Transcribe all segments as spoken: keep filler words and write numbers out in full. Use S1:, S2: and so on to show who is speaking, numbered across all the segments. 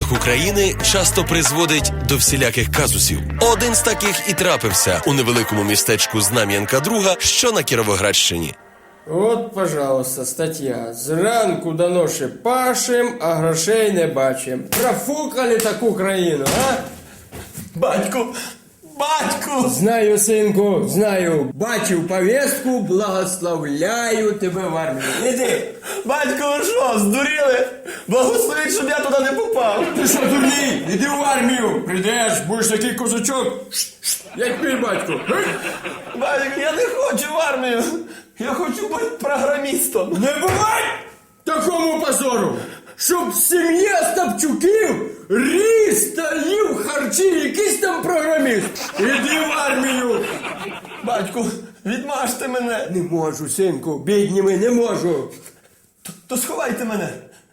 S1: розвитку країни часто призводить до всіляких казусів. Один з таких і трапився у невеликому містечку Знам'янка Друга, що на Кіровоградщині.
S2: От, пожалуйста, стаття. Зранку до ночі пашем, а грошей не бачим. Профукали таку країну, а?
S3: Батьку! Батьку!
S2: Знаю, синку, знаю. Бачив повістку, благословляю тебе в армію. Іди.
S3: Батько, ви що, здуріли? Благословіть, щоб я туди не попав.
S2: Ти що, дурний? Іди в армію. Прийдеш, будеш такий козачок, як мій батько.
S3: Батько, я не хочу в армію. Я хочу бути програмістом.
S2: Не бувай такому позору, щоб сім'я Остапчуків ріс та їв харчі якийсь там програміст. Іди в армію.
S3: Батьку, відмажте мене.
S2: Не можу, синку, бідніми, не можу.
S3: То, то сховайте мене.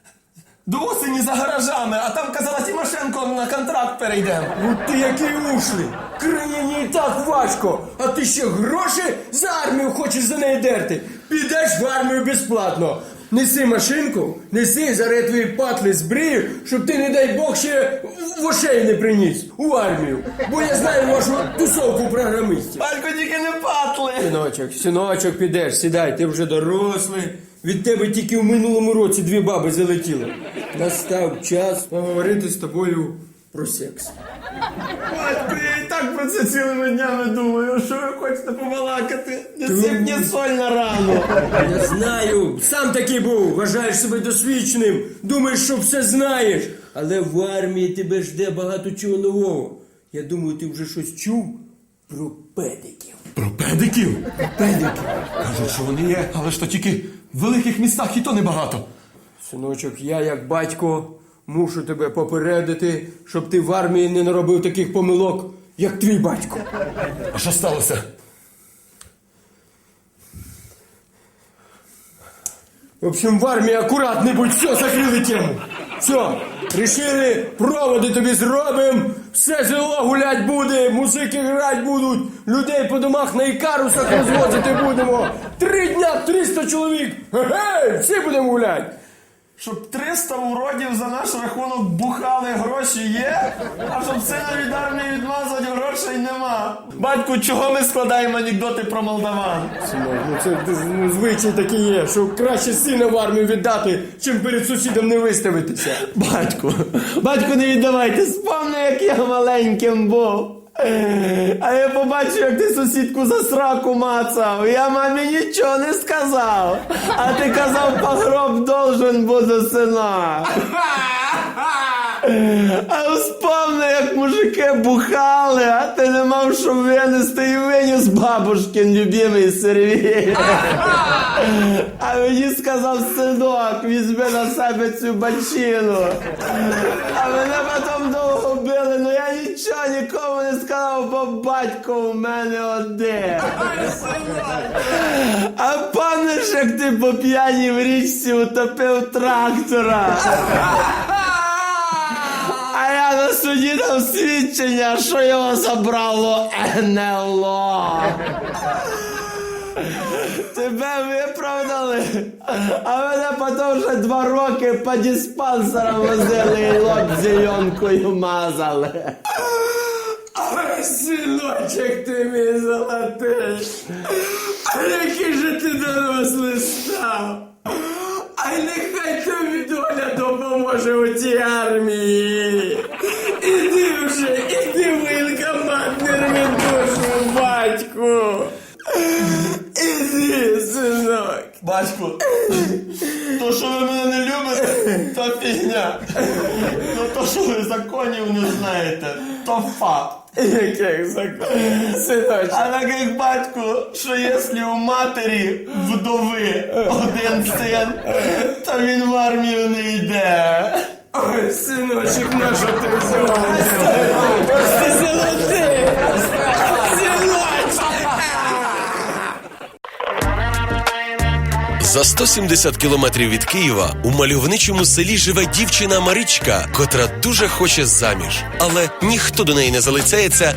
S3: До осені за гаражами, а там казала Тимошенко, на контракт перейдемо.
S2: Ну ти який ушлий. Країні і так важко, а ти ще гроші за армію хочеш за неї дерти. Підеш в армію безплатно. Неси машинку, неси зараз твої патли збрію, щоб ти, не дай Бог, ще в ошей не приніс у армію. Бо я знаю вашу тусовку програмистів.
S3: Батько, тільки не патли.
S2: Синочок, синочок, підеш, сідай, ти вже дорослий. Від тебе тільки в минулому році дві баби залетіли. Настав час поговорити з тобою про секс.
S3: Батько, я і так про це цілими днями думаю. Що ви хочете побалакати? Не сипні соль на рану.
S2: Я знаю, сам такий був, вважаєш себе досвідченим, думаєш, що все знаєш. Але в армії тебе жде багато чого нового. Я думаю, ти вже щось чув про педиків.
S3: Про педиків?
S2: Педиків.
S3: Кажуть, що вони є, але ж то тільки в великих містах і то небагато.
S2: Синочок, я як батько мушу тебе попередити, щоб ти в армії не наробив таких помилок, як твій батько.
S3: А що сталося?
S2: В общем, в армії акуратний будь, все, закрили тему. Все, рішили, проводи тобі зробимо, все село гулять буде, музики грати будуть, людей по домах на ікарусах розвозити будемо. Три дня, триста чоловік, ге-гей, всі будемо гуляти.
S3: Щоб триста уродів за наш рахунок бухали, гроші є, а щоб сина від армії відмазати, грошей нема. Батьку, чого ми складаємо анекдоти про молдаван?
S2: Синок, ну це ну, звичай такий є, що краще сина в армію віддати, чим перед сусідом не виставитися.
S3: Батьку, батьку, не віддавайте, спомни, як я маленьким був. А я побачив, як ти сусідку за сраку мацав. Я мамі нічого не сказав. А ти казав, погроб должен бути, сина. А вспомни, як мужики бухали, а ти не мав що винести і виніс бабушкин любимий сервіс. А мені сказав, синок, візьми на себе цю бачину. А мене потім довго били, но я нічого нікому не сказав, бо батько у мене один. А пам'ятаєш, як ти по п'яній в річці утопив трактора? А я на суді дав свідчення, що його забрало ен ел о. Тебе виправдали, а мене потім вже два роки по диспансерам возили і лоб зеленкою мазали.
S2: Ой, синочок, ти мій золотий, а який же ти дорослий став. Ай, нехай тобі доля допоможе у цій армії. Іди вже, іди в воєнкомат, не рви душу, батьку. Іди, синок.
S3: Батьку, то, що ви мене не любите, то фігня. Ну то, що ви законів не знаєте, то факт.
S2: Яких законів, синочок?
S3: А так як батьку, що якщо у матері вдови один син, то він в армію не йде.
S2: Ой, синочок, на що ти золотий? Ти золотий! Синочок!
S1: За сто сімдесят кілометрів від Києва у мальовничому селі живе дівчина Маричка, котра дуже хоче заміж. Але ніхто до неї не залицяється,